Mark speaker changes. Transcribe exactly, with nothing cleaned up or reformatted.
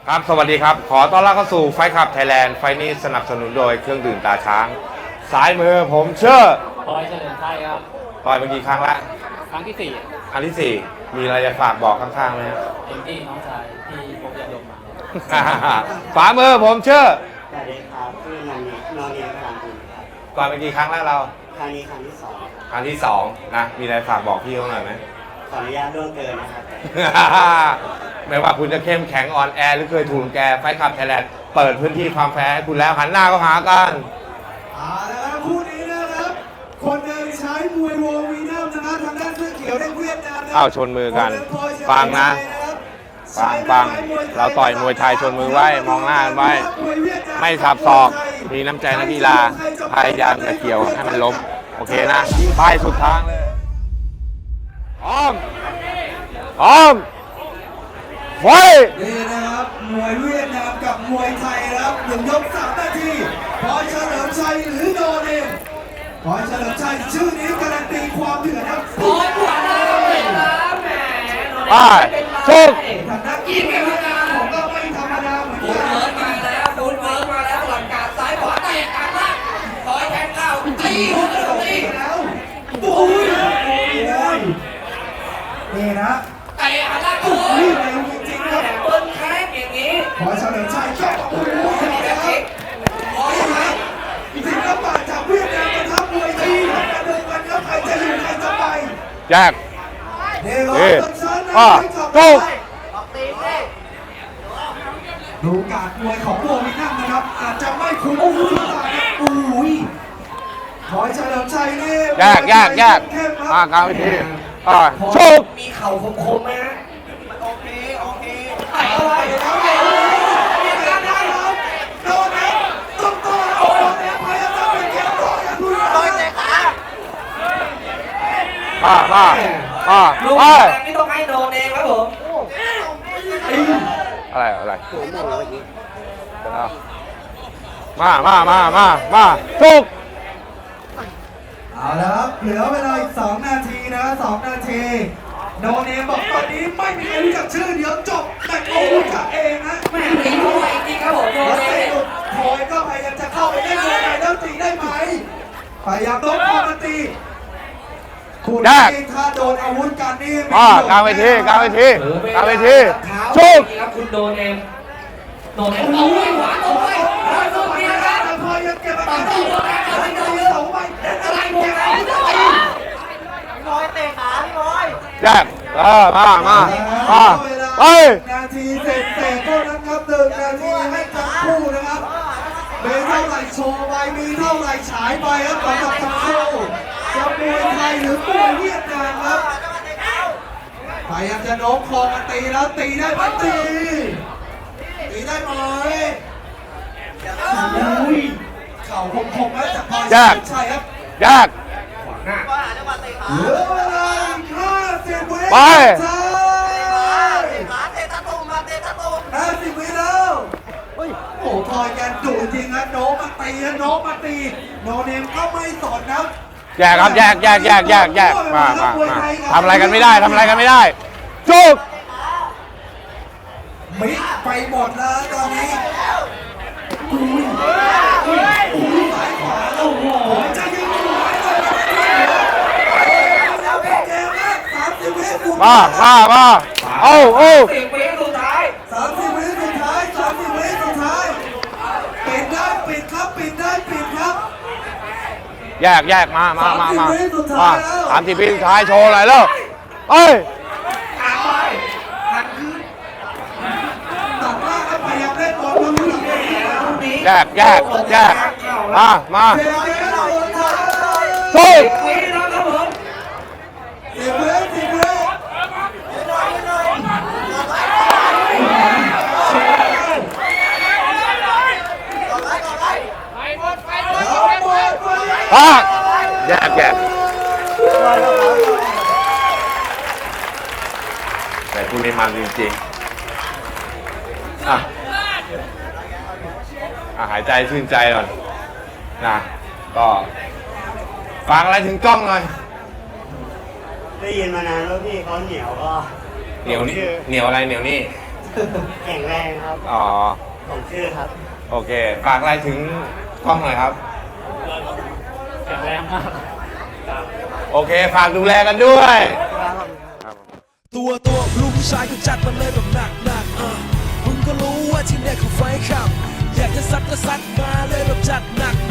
Speaker 1: ครับสวัสดีครับขอต้อนรับเข้าสู่ไฟขับไทยแลนด์ไฟนี้สนับสนุนโดยเครื่องดื่มตาช้างสายมือผมเชื่อ
Speaker 2: พลอยเฉลิมชัยครับ
Speaker 1: ต่อยเมื่อกี้ครั้งละ
Speaker 2: ครั้งที่สี่
Speaker 1: ครั้งที่สี่มีอะไรจะฝากบอกข้างๆไหมครับ
Speaker 2: เอ็มดี้น้องชายที่พบยาดมมา
Speaker 1: ฝามือผมเชื่อ
Speaker 3: สวัสดีครับชื่อนนท์นนท์พลังบุญครับ
Speaker 1: ต่อยเมื่อกี้ครั้งแรกเรา
Speaker 3: ครั้งนี้ครั้งที่สอง
Speaker 1: ครั้งที่สองนะมีอะไรฝากบอกพี่เขาหน่อยไหม
Speaker 3: ขออนุญาตล่วงเกินนะครับ
Speaker 1: ไม่ว่าคุณจะเข้มแข็งอ่อนแอหรือเคยถูกแกไฟขับไทยแลนด์เปิดพื้นที่ความแพ้คุณแล้วหันหน้าก็หากัน
Speaker 4: เอาละครับคู่นี้นะครับคนหนึ่งใช้มวยโววีนัมนะครับทางด้านเสื้อเขียวได้เวียดนามนะ
Speaker 1: อ้าวชนมือกันฟังนะฟังฟังเราต่อยมวยไทยชนมือไว้มองหน้ากันไว้ไม่สับศอกมีน้ำใจนักกีฬาพยายามจะเกี่ยวให้มันล้มโอเคนะป้ายสุดทางเลยอ้อมอ้อมไฟ
Speaker 4: นี่นะครับมวยเวียดนามกับมวยไทยนะครับหนึ่งยกสามนาทีพลอยเฉลิมชัยหรือโดนเองพลอยเฉลิมชัยชื่อนี้การันตีความเดือดครับพลอยขวาเลยนะแหม
Speaker 1: ป้ายชุก
Speaker 4: ทางด้านอีกเป็นการผมก็ไม่ธรรมดาเหมือนกัน
Speaker 5: เวิร์กมาแล้วฟูดเวิร์กมาแล้วหลังการซ้ายขวาเตะกลางล่างคอยแทงเข้าตีหัวกระโดดตี
Speaker 4: แล้วโอ้ยนี่นะ
Speaker 5: เตะหันล่างโอ้ยจริงๆครับเปิ้ลแคกอย่างนี้
Speaker 4: พอเฉลิมชัยก็โอ้โหนะครับ
Speaker 5: ขอยังไง
Speaker 4: ศิลปะจากเวียดนามมาทับมวยจีนมาดูกันครับใครจะอยู่ใครจะไป
Speaker 1: แยก
Speaker 4: เดี๋ยวต้นชั้นนะให้จบไปดูการมวยของโววินัมนะครับอาจจะไม่คุ้มคุ้มตาครับอุ้ยพอเฉลิมชัยนี่
Speaker 1: แยกแยกแยกอ่ากลางวิธีอ่าชุก
Speaker 5: มีเข่าคมๆไหมฮะโอเคโอเค
Speaker 4: ไอ้อะไรครับมีการได้ครับโดนนะต้องต่อโดนนะพยายามจะเป็นเกี่ยวต่ออย่างรุนแรง
Speaker 5: ต่อยเตะขา
Speaker 1: มามามา
Speaker 5: ลูกนี่ต้องให้โดนเองครับผม
Speaker 1: อะไรอะไรมามามามามาชุก
Speaker 4: เอาละครับเหลือเวลาอีกสองนาทีนะสองนาทีโนเนมบอกตอนนี้ไม่มีใครรู้จักชื่อเดี๋ยวจบแต่โอ้รู้จักเองนะ
Speaker 5: แม่ตีมวยจริงครับผมโดนเอง
Speaker 4: พอยก็พยายามจะเข้าไปได้เลยแล้วตีได้ไหมพยายามโดนพอมาตีคุณนี่ถ้าโดนอาวุธกันนี่
Speaker 1: อ่ากลางเวทีกลางเวทีกลางเวทีชุก
Speaker 5: ครับคุณโดนเองโดนเองเอาไว้หวานเอาไว้หวานเอาไว้นะครับ
Speaker 4: แต่พอยังเก็บอาการได้อยู่เอาไว้เอาไว้เอาไว้อะไรเนี่ย
Speaker 5: บอยเตะขาพี่บอย
Speaker 1: แยกเออมามามาไป
Speaker 4: นาทีเสร็จเสร็จเท่านั้นครับหนึ่งนาทีให้ทั้งคู่นะครับมีเท่าไหร่โชว์ไปมีเท่าไหร่ฉายไปครับสำหรับทั้งคู่จะมวยไทยหรือมวยเวียดนามครับพยายามจะโน้มคอมาตีแล้วตีได้ไหมตีตีได้ไหมอุ้ยเข่าคมๆแล้วจากพลอยใช่ครับ
Speaker 1: ยาก
Speaker 4: เหลือเวลาห้าสิบวิ
Speaker 1: ไป
Speaker 4: ห้าสิบวิแล้วโอ้พลอยแกดุจริงนะโน้มมาตีนะโน้มมาตีโนเนมก็ไม่สนนะ
Speaker 1: แยกครับแยกแยกแยกแยกแยกมามามาทำอะไรกันไม่ได้ทำอะไรกันไม่ได้จุก
Speaker 4: มิดไปหมดแล้วตอนนี้อุ้ยอุ้ยอุ้ยซ้ายขวาโอ้โหจะยิงหัวเลยเกมแรกสามสิบวิ
Speaker 1: มามามาโอ้โอ้
Speaker 5: สิบวิสุดท้าย
Speaker 4: สามสิบวิสุดท้ายสามสิบวิสุดท้ายปิดได้ปิดครับปิดได้ปิดครับ
Speaker 1: แยกแยกมามามามามาสามสิบวิสุดท้ายโชว์อะไรแล้วเอ้ย
Speaker 5: อ่านไปหันคืน
Speaker 4: ตัดล่างแล้วพยายามเล่นบอลตรงนี้
Speaker 1: แยกแยกแยกมามา
Speaker 4: สู้
Speaker 5: สิบวิแล้วครับผม
Speaker 4: สิบวิสิบวิ
Speaker 1: ปากแยกแยกแต่คุณนี่มันจริงๆอ่ะอ่ะหายใจชื่นใจก่อนนะก็ฟังอะไรถึงกล้องหน่อย
Speaker 3: ได้ยินมานานแล้วพี่เขาเหนียวก็
Speaker 1: เหนียวนี่เหนียวอะไรเหนียวนี่
Speaker 3: แข็งแรงครับ
Speaker 1: อ๋อ
Speaker 3: ผมชื่อครับ
Speaker 1: โอเค ฝากอะไรถึงกล้องหน่อยครับ
Speaker 2: แข็งแรงมาก
Speaker 1: โอเค ฝากดูแลกันด้วย
Speaker 6: ตัวตัวลูกผู้ชายก็จัดมาเลยแบบหนักหนักๆอ่ะมึงก็รู้ว่าที่เนี่ยเขาไฟขับ อยากจะซัดก็ซัดมาเลยแบบจัดหนัก